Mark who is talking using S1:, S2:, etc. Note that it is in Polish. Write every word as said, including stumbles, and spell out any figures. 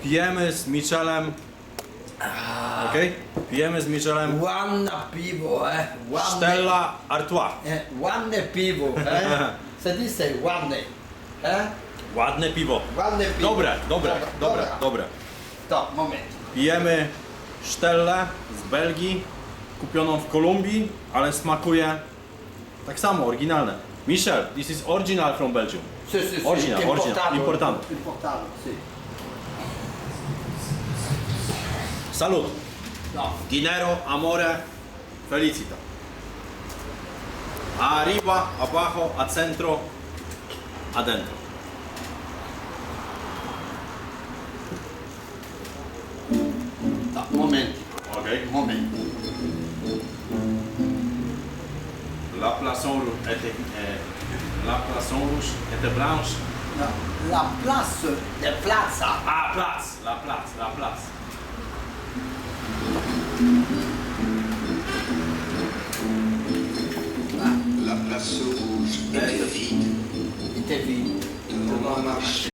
S1: pijemy z Michelem. Okej? Pijemy z Michelem
S2: Ładne piwo, e? Ładne,
S1: Stella Artois.
S2: e? Ładne piwo, e? Co ty say? Ładne, e?
S1: Ładne piwo.
S2: Ładne piwo.
S1: Dobre, dobre, dobre, dobre.
S2: To, moment.
S1: Pijemy Stellę z Belgii, kupioną w Kolumbii, ale smakuje tak samo, oryginalne. Michel, this is original from Belgium.
S2: Si, si, si.
S1: Original, original, importando.
S2: Importado, si.
S1: Salut.
S2: No.
S1: Dinero, amore, felicita. Arriba, abajo, a centro, adentro.
S2: No, moment,
S1: Okay.
S2: moment.
S1: La poisson rouge était, euh, la poisson rouge était blanche.
S2: No, la place de plaza.
S1: Ah, place, la place, la place.
S3: La place rouge était vide
S2: I te vidi.
S3: devant ma marché.